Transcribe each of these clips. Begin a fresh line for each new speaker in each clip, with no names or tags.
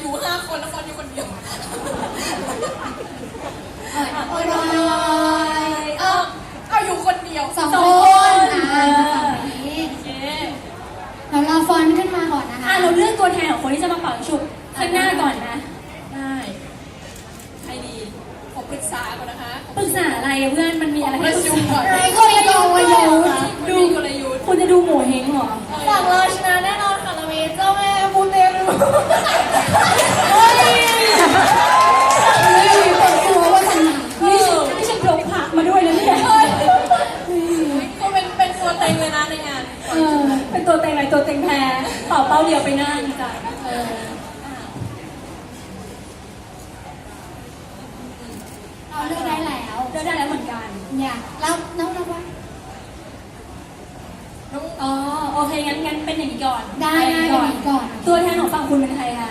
อยู่5 คนแล้วฟอนอยู่คนเดียว
โอ้ย
เอาอยู่คนเดียว
2 คนเราฟอนขึ้นมาก่อนนะคะ
เราเลือกตัวแทนของคนที่จะมาเป่าฉุบข้างหน้าก่อนนะ
ได้ใครดีผมปรึกษาก่อนนะคะ
ปรึกษาอะไรเพื่อนมันมีอะไรให้ปรึกษา
ก็เลยดู
ดูกลยุทธ์
คุณจะดูโหมเฮงเหรอ
ฝั่งเราชนะแน่นอนค่ะเรามีเจ้าแม่บูเตรูเปิดตัวว่าชนะ
นี่ฉันยกผักมาด้วยนะเนี่ย
ก็เป็นตัวเต็งเลยนะในงาน
เป็นตัวเต็งอะไรตัวเต็งแพ้เป่าเป้าเดียวไปหน้าดีจ้ะ
เราเลือกได้แล้ว
เหมือนกัน
เนี่ยแล้วน้องว่า
อ๋อโอเคงั้นเป็นอย่างนี้ก่อน
ได้ก่อน
ตัวแทนของฝั่งคุณเป็นใครคะ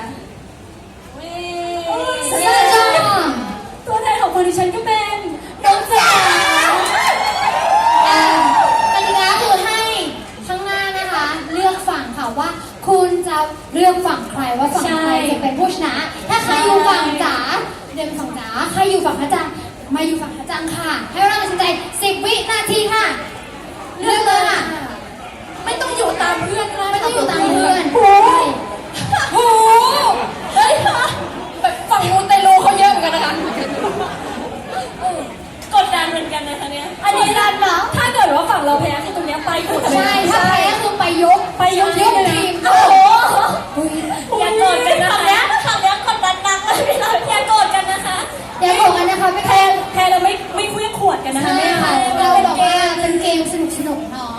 ตัวแทนของคนดิฉันก็เป็น
น้องจ๋ากติกาคือให้ข้างหน้านะคะเลือกฝั่งค่ะว่าคุณจะเลือกฝั่งใครว่าฝั่งใครจะเป็นผู้ชนะถ้าใครอยู่ฝั่งจ๋าเดินฝั่งจ๋าใครอยู่ฝั่งพระจันทร์มาอยู่ฝั่งพระจันทร์ค่ะให้เราตัดสินใจ10 วินาทีค่ะเลือกเลยค่ะ
ไม่ต้องอยู่ตามเพื่อนก็ได้
ไม่ต้องอยู่ตามเพื่อน
โอ้เฮ้ยแบบฝั่งมูเตลูเขาเยอะเหมือนกันนะคะ
กดดันเหมือนกันนะคะเนี่ยอันนี้ดันเหรอถ้าเกิดว่าฝั่งเราแพ้คือตรงนี้ไปหมด
ใช่ถ้าแพ้คือไปยกทีม
โอ้โหอย่าโกรธกันนะคะฝั่งนี้กดดันหนักเลยพี่น้องอย่าโกรธกันนะคะ
อย่าโกรธกันนะคะไม่
แพ้เราไม่คุยขวดกันนะคะ
ไม่ค่ะเราบอกว่าเป็นเกมสนุกเนาะ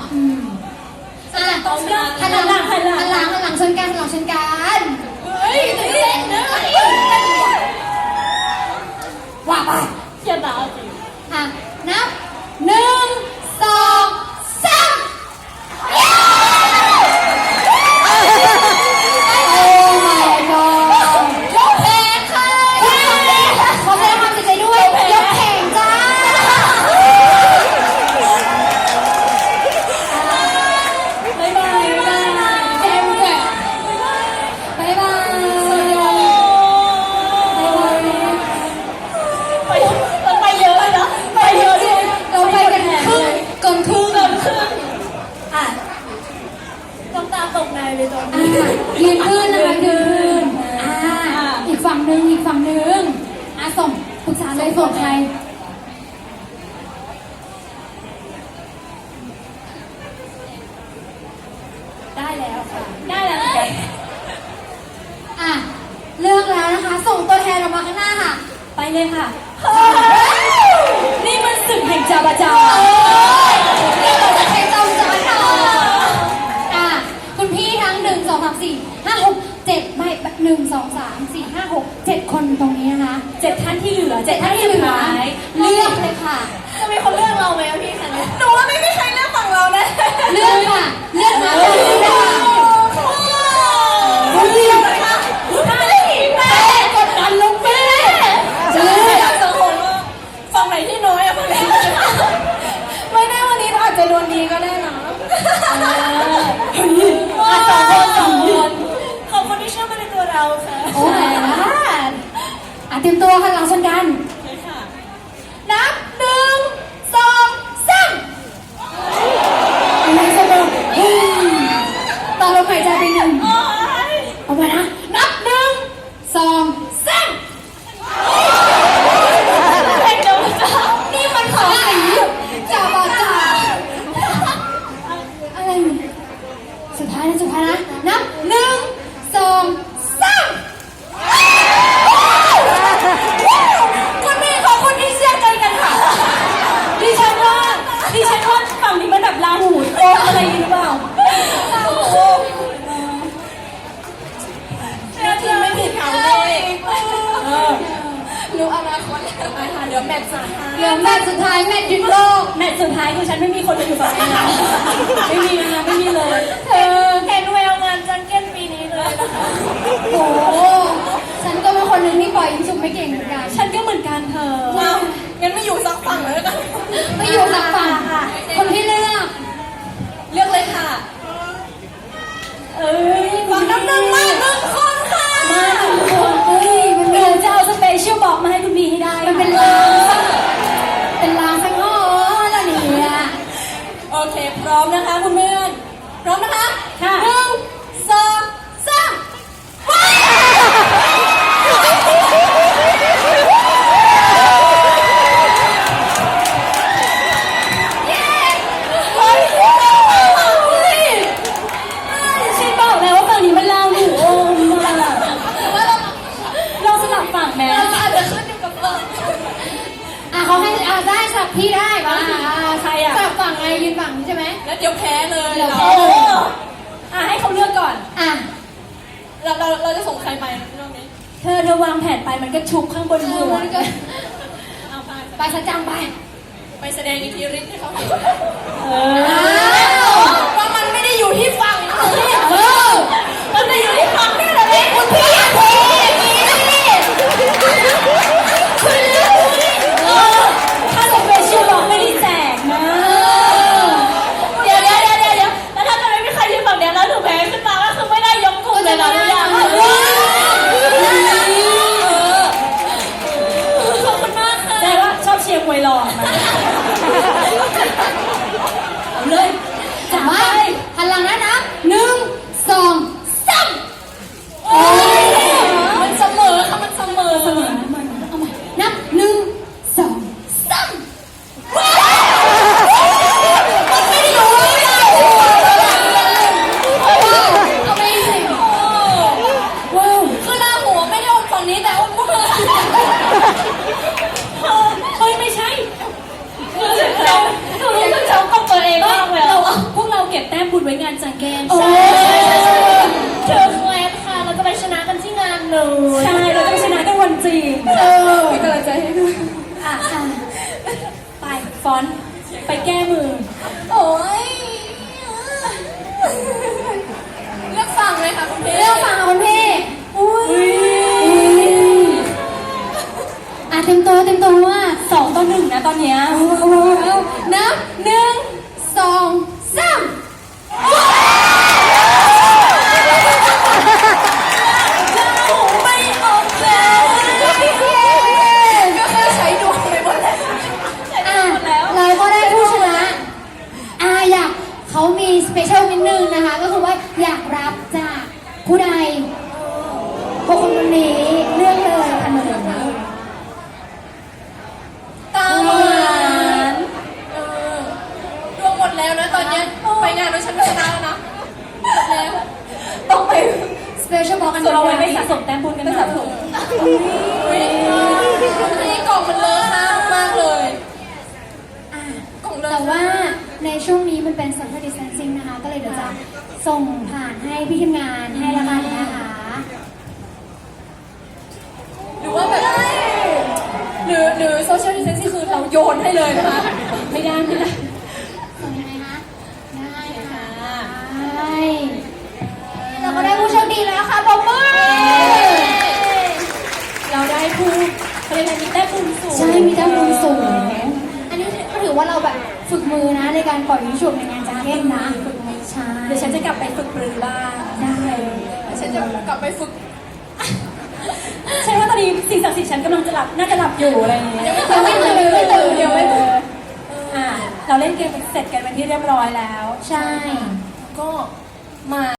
หันหลังชนกัน
เฮ้ยเต้นนะ
ว่าไป
เชียร์ดาวจริง
นับ1 2 3ยกแขนค่ะขอแสดงความเสียใจด้วยยกแขนจ้า
บ๊ายบาย
เจมส์บ๊ายบาย
ไปเยอะเลยนะไปเยอะด้วย
เราไปกันเกินครึ่ง
น้ำตาตกในเลยตอนนี้
ยืนขึ้นนะคะยืนอีกฝั่งหนึ่งส่งปรึกษาเลยส่งใคร
ได้แล้วค่ะได้แล้วเหมือนกัน
เลือกแล้วนะคะส่งตัวแทนออกมาข้างหน้าค่ะ
ไปเลยค่ะนี่มันศึกแห่งจาบาจา
นี่มันศึกแห่งจาบาจาคุณพี่ทั้ง1 2 3 4 5 6 7ไม่1 2 3 4 5 6 7คนตรงนี้นะคะ
7 ท่านที่เหลือ7 ท่านที่
เหลือเลือกเลยค่ะ
จะมีคนเลือกเราไหมพี่คะเนี่ย
หนูว่าไม่มีใครเลือกฝั่งเราแน่
เลือกค่ะเลือกมาเลย
คนเดียวเลยค่ะ
แม่กดดันลูกแม่
จะเลือกสักคนว่าฝั่งไหนที่น้อยอะฝั่งไหนไม่แน่วันนี้เราอาจจะโดนดีก็ได้นะ
2 คนขอบคุณที่เชื่อมั่นในตัวเราค่ะ
โอ้ยเตรียมตัวค่ะหลังชนกันนับ1 2 3อะไรสนุกต่อลมหายใจไป1เอาไปนะนับ1 2 3นี่มันของสีจ่าบาจ่าอะไรสุดท้ายนะนับ1 2 3
คนนี้ขอบคุณที่เชื่อใจกันค่ะดิฉันว่าฝั่งนี้มันแบบลาหูโอ้อะไรหรือเปล่า
ทีมไม่ผิดเขาเลยรู้อนาคตไปค่ะเดี๋ยวแมตช์สุดท้าย
แมตช์ยึดโลก
แมตช์สุดท้ายคือฉันไม่มีคนมาอยู่ฝั่งนี้นะไม่มีนะไม่มีเลยเห็นแววงานจังเก้นปีนี้เลยนะคะ
โอ้ฉันก็เป็นคนหนึ่งที่ปล่อยยิงฉุบไม่เก่งเหมือนกัน
ฉันก็เหมือนกันเธอ
งั้นไม่อยู่สักฝั่งเลยกัน
ไม่อยู่สักฝั่งค่ะคนที่เลือก
เลยค่ะ
ฝั่งน้ำหนึ่งมา1 คนค่ะ
มา1 คน
เราจะส่งใครไปรอบนี้
เธอวางแผนไปมันก็ชุบข้างบนหัว
มันก็
เอาไป
ไปสักจังไป
ไปแสดงอิทธิฤทธิ์ให้เขาเห็น
เออ
ว่ามันไม่ได้อยู่ที่ฝั่งนี้
มันจะอยู่ที่ฝั่งนี่แหละเองคุณพี่ ถ้าสเปเชียลบอกไม่ได้แจกนะ เดี๋ยวแล้วถ้าจะไม่มีใครยืนฝั่งเดียวแล้วถูกแพ้ขึ้นมาก็คือไม่ได้ยกกลุ่มเลยนะทุกอย่างขอบคุณมากค่ะแปลว่าชอบเชียร์มวยหล่อมาเอาเลย
จับไว้หันหลังนะนับ1 2 3โอ้ย
มันเสมอค่ะมันเสมอ
เสมอ
เอาใหม่นับ1 2 3มันไม่ได้อยู่เลยเอาไปสิ
ว้าวคือหน้าหัวไม่ได้อมฝั่งนี้แต่อมพวกเธอ
เฮ้ยไม่ใช่คือเรารู้สึกเขากับตัวเองมากเลยพวกเราเก็บแต้มบุญไว้งานจังแกนใช่เชิญแคลนค่ะเราจะไปชนะกันที่งานเลยใช่เราจะไปชนะกันวันจริง
มีกำลังใจให้ด้วย
อ่ะไปฟอนต์ไปแก้มือ
โอ้ยเลือกฝั่งเลยค่ะคุณพี่
เลือกฝั่งค่ะคุณพี่
อุ้ย
เต็มตัวว่า
2-1นะตอนเนี้ย
นับ1 2 3
ไม่ออกแล้ว
ก็แค่ใช้ดวงไปหมดแล้ว
เราก็ได้ผู้ชนะอยากเขามีสเปเชียลนิดนึงนะคะ ก็คือว่าอยากรับจากผู้ใดพวกคนนี้เลือกเลยค่ะหนู
ตามหวานดวงหมดแล้วนะตอนเนี้ยไปงานด้วยฉันก็ชนะแล้วนะหมดแล้วต้องไป
สเปเชียลบอกกัน
ส่วนเราไว้ไปสะสมแต้มบุญกันนะ
นี่กล่องมันเลอะค่ะมากเลยกล่องเล
แต่
อะ
ว่าในช่วงนี้มันเป็น social distancing นะคะ ก็เลยเดี๋ยวจะส่งผ่านให้พี่ทีมงานให้ละกันนะคะ
หรือว่าแบบหรือโซเชียลดิสเทนซิ่งคือเราโยนให้เลยนะคะ
ไม่ได้
ส่งยังไงคะ ได้ค่ะได้เราก็ได้ผู้โชคดีแล้วค่ะปรบมือ
เราได้ผู้เขาเรียกอะไรมีแต้มบุญสูง
ใช่ มีแต้มบุญสูง อันนี้ก็ถือว่าเราแบบฝึกมือนะในการปล่อยวิชุบในงานจังเก้นนะใช่
เดี๋ยวฉันจะกลับไปฝึกปรือบ้าง
ได้
ฉันจะกลับไปฝึก
ฉันว่าตอนนี้สิ่งศักดิ์สิทธิ์ฉันกำลังจะหลับน่าจะหลับอยู่อะไรอย่างเงี้ย
ยังไม่ตื่นยังไม่ตื่น
เราเล่นเกมเสร็จกันเป็นที่เรียบร้อยแล้ว
ใช่
ก็มา